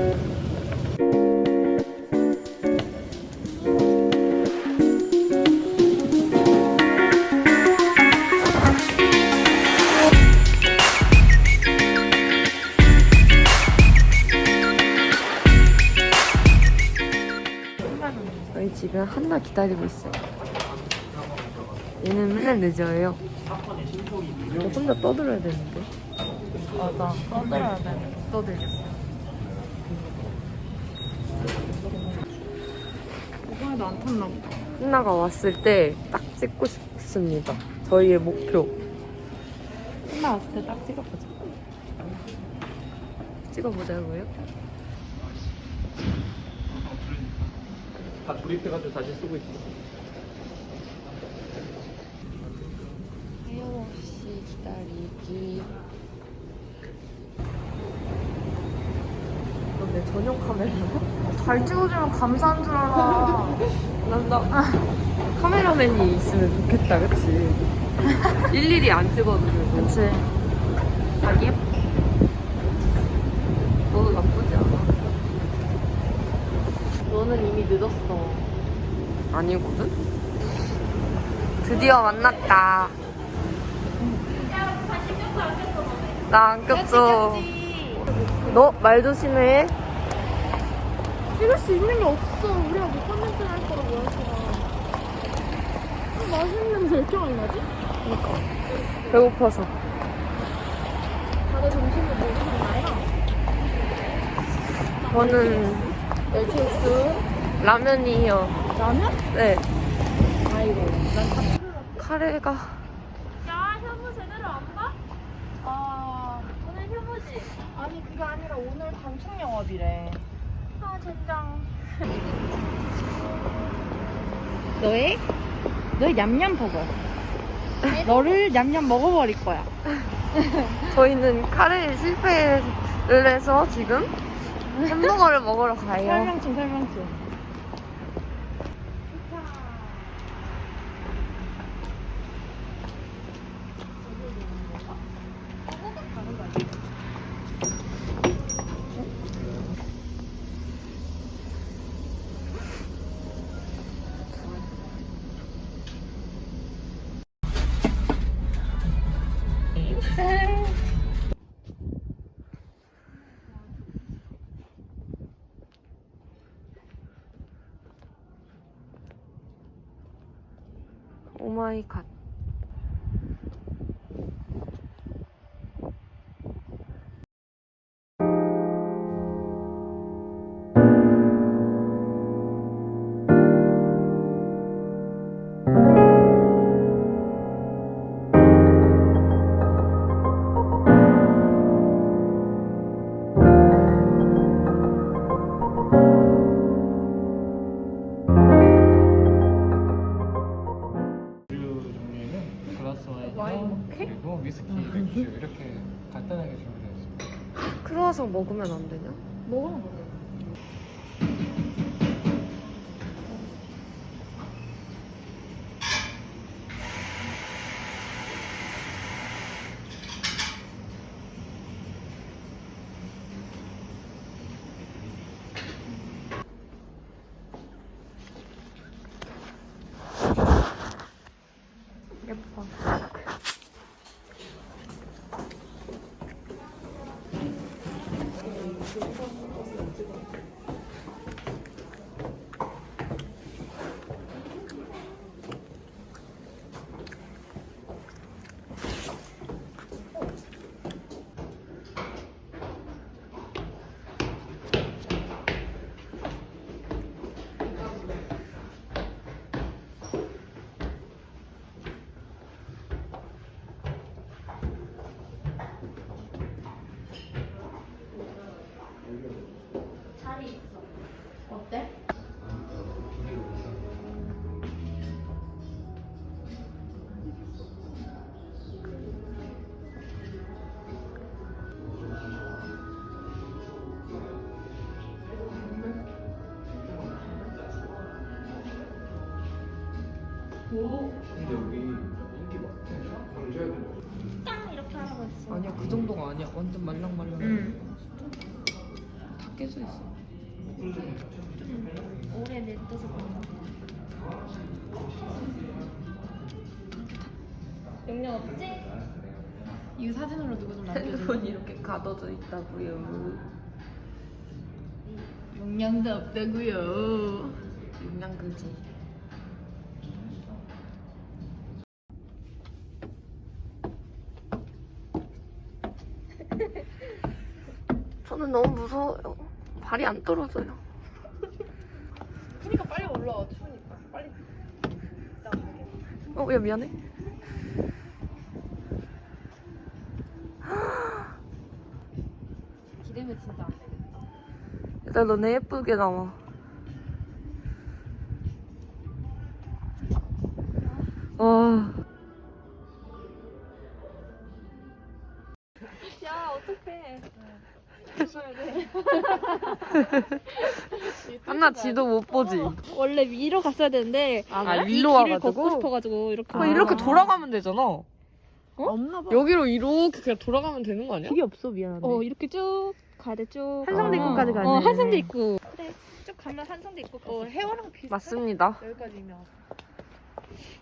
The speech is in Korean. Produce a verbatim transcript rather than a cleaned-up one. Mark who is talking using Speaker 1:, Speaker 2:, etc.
Speaker 1: 저희 지금 한나 기다리고 있어요. 얘는 맨날 늦어요. 이거 혼자 떠들어야 되는데.
Speaker 2: 맞아. 떠들어야 돼. 떠들겠어. 이번에도 안 탔나 보다.
Speaker 1: 한나가 왔을 때 딱 찍고 싶습니다. 저희의 목표.
Speaker 2: 한나 왔을 때 딱 찍어보자.
Speaker 1: 찍어보자고요?
Speaker 3: 다 조립해가지고 다시 쓰고 있어.
Speaker 1: 하염없이 기다리기. 이건 내 전용 카메라야?
Speaker 2: 잘 찍어주면 감사한 줄 알아.
Speaker 1: 난 나 카메라맨이 있으면 좋겠다, 그치? 일일이 안 찍어도 되고.
Speaker 2: 그치. 자기 예뻐.
Speaker 1: 너도 나쁘지 않아. 너는 이미 늦었어. 아니거든? 드디어 만났다. 나 안 꼈어. 너 말 조심해.
Speaker 2: 찍을 수 있는 게 없어. 우리가 못 컨텐츠 할 거라고 했잖아. 맛있는 냄새 왜 이렇게 많이 나지?
Speaker 1: 그러니까. 배고파서.
Speaker 2: 다들 점심을 뭐 드셨나요?
Speaker 1: 저는
Speaker 2: 멸치육수.
Speaker 1: 라면이요.
Speaker 2: 라면?
Speaker 1: 네.
Speaker 2: 아이고. 난
Speaker 1: 카레가.
Speaker 4: 야, 현무 제대로 안 봐?
Speaker 2: 아,
Speaker 4: 오늘 현무지?
Speaker 2: 아니 그게 아니라 오늘 단축 영업이래.
Speaker 4: 아, 젠장.
Speaker 2: 너의 너의 냠냠 버거. 너를 냠냠 먹어버릴 거야.
Speaker 1: 저희는 카레에 실패를 해서 지금 햄버거를 먹으러 가요.
Speaker 2: 설명충 설명충.
Speaker 1: 오마이갓.
Speaker 3: 그리고 위스키, 맥주 이렇게 간단하게 준비되어 있습니다.
Speaker 1: 크루아상 먹으면 안 되냐?
Speaker 2: 먹어.
Speaker 1: 예뻐.
Speaker 2: 어때?
Speaker 3: 근데 여기 인기 많대. 건져야 돼.
Speaker 4: 딱 이렇게 하라고 했어.
Speaker 1: 아니야, 그 정도가 아니야. 완전 말랑말랑.
Speaker 2: 응.
Speaker 1: 다 깨져 있어.
Speaker 4: 오래 냅둬서 그런가. 용량 없지?
Speaker 2: 이거 사진으로 누구 좀 남겨줘.
Speaker 1: 핸드폰이 이렇게 가둬져 있다고요.
Speaker 2: 용량도 없다고요.
Speaker 1: 용량 그지. 저는 너무 무서워요. 발이 안 떨어져요.
Speaker 2: 그러니까 빨리 올라와. 추우니까. 빨리. 나가게.
Speaker 1: 어, 야 미안해.
Speaker 2: 기대면 진짜 안 되겠다.
Speaker 1: 일단 너네 예쁘게 나와. 와.
Speaker 4: 야, 어떡해.
Speaker 1: 한나 지도 못 보지.
Speaker 4: 원래 위로 갔어야 되는데
Speaker 1: 아,
Speaker 4: 이
Speaker 1: 위로
Speaker 4: 길을
Speaker 1: 와가지고?
Speaker 4: 걷고 싶어가지고 이렇게.
Speaker 1: 어, 이렇게 돌아가면 되잖아. 어?
Speaker 2: 없나 봐.
Speaker 1: 여기로 이렇게 그냥 돌아가면 되는 거 아니야?
Speaker 2: 길이 없어, 미안한데.
Speaker 4: 어, 이렇게 쭉 가야 돼, 쭉.
Speaker 2: 한성대
Speaker 1: 아.
Speaker 2: 입구까지 가네.
Speaker 4: 어, 한성대 입구. 그래, 쭉 가면 한성대 입구.
Speaker 2: 어, 해화랑 비슷해.
Speaker 1: 맞습니다.
Speaker 2: 여기까지면.